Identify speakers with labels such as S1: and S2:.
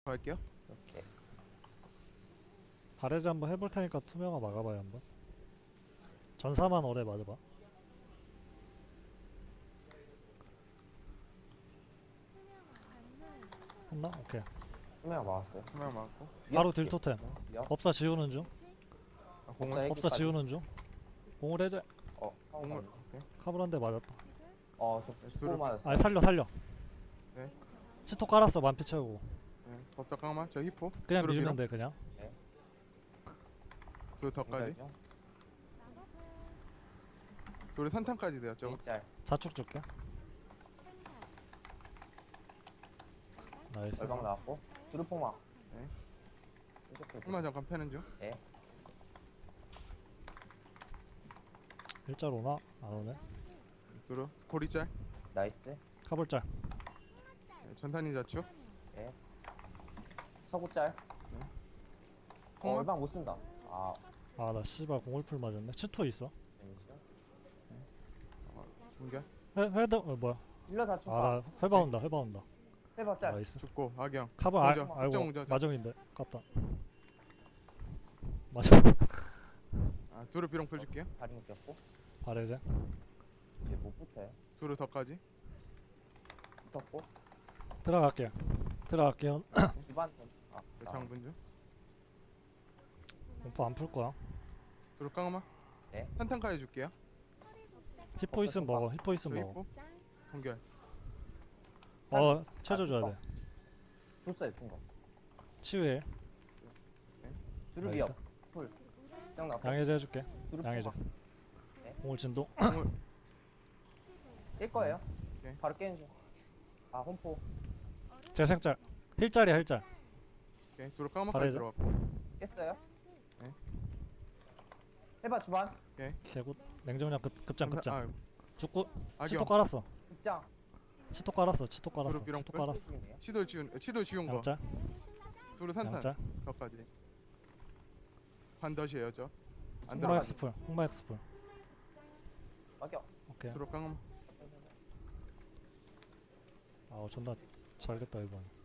S1: 갈게요.
S2: 오케이.
S3: 바레즈 한번 해볼 테니까 투명화 막아봐요 한번. 전사만 오래 맞아봐. 했나? 오케이.
S2: 투명 막았어요.
S1: 투명 맞고.
S3: 바로 딜 토템.
S2: 위협.
S3: 법사 지우는 중.
S1: 공을
S3: 법사 지우는 중. 공을 해제.
S1: 공을. 오케이.
S3: 카불 한 대 맞았다.
S2: 저
S1: 둘을-
S2: 19 맞았어.
S3: 아 살려.
S1: 네.
S3: 치토 깔았어 만피 채우고.
S1: 네. 법사 깡마. 저 히포.
S3: 그냥
S1: 두루
S3: 밀면
S1: 밀어.
S3: 돼 그냥.
S1: 둘 더까지. 둘이 산탄까지 돼요. 저거.
S2: 일짤.
S3: 자축 줄게. 나이스.
S2: 얼방 나왔고. 두루포마.
S1: 네.
S2: 이렇게
S1: 얼마 잠깐 패는 중.
S3: 일자로 오나? 안 오네.
S1: 둘은 고리짤.
S2: 나이스.
S3: 카불짤.
S1: 네. 전탄이 자축.
S2: 서구짤.
S1: 공을.
S2: 얼방 못 쓴다.
S3: 아 나 씨발 공울풀 맞았네. 치토 있어.
S2: 데미지요?
S1: 공격.
S3: 회도 뭐야?
S2: 힐러 다 죽다.
S3: 아나 회바 온다.
S2: 해봐 짤.
S3: 나이스.
S1: 죽고 악영.
S3: 카불
S1: 먼저,
S3: 아이고
S1: 확정 먼저 하자.
S3: 마정인데 깝다. 마정.
S1: 둘을 비룡 풀줄게요.
S2: 다리 묶였고.
S3: 바레제.
S2: 이제 못 붙어요.
S1: 둘을 더까지.
S2: 붙었고.
S3: 들어갈게요.
S2: 주반.
S1: 네, 장군 중.
S3: 공포 안 풀 거야.
S1: 둘을 깡마.
S2: 네.
S1: 산탄까지 줄게요.
S3: 히포 있으면 먹어. 히포
S1: 저
S3: 있으면 먹어.
S1: 히포. 동결.
S3: 체조 줘야 돼.
S2: 줬어요 준 거.
S3: 치유해.
S2: 두루
S3: 나이스.
S2: 위협. 풀. 짱 나고.
S3: 양해제 해줄게.
S2: 두루
S3: 양해제.
S2: 네.
S3: 공을 진동.
S1: 공을.
S2: 깰 거예요.
S1: 오케이.
S2: 바로 깨는 중. 홈포.
S3: 재생짤. 힐짤이야 힐짤.
S1: 오케이. 둘을 깡마까지
S3: 바래죠?
S1: 들어갔고.
S2: 깼어요.
S1: 네.
S2: 해봐 주반.
S3: 개굿. 냉정량 급장.
S1: 아,
S3: 죽고. 치토
S1: 악영.
S3: 깔았어.
S2: 입장.
S3: 치토 깔았어. 치토
S1: 비룡
S3: 깔았어.
S1: 치도 지운 거.
S3: 양짤.
S1: 둘을 산탄.
S3: 양짤.
S1: 더까지. 반덧이에요 저. 안
S3: 홍마
S1: 들어가.
S3: 엑스풀. 홍마 엑스풀.
S2: 막여.
S3: 오케이.
S1: 둘을 깡마.
S3: 아 존나 잘됐다 이번.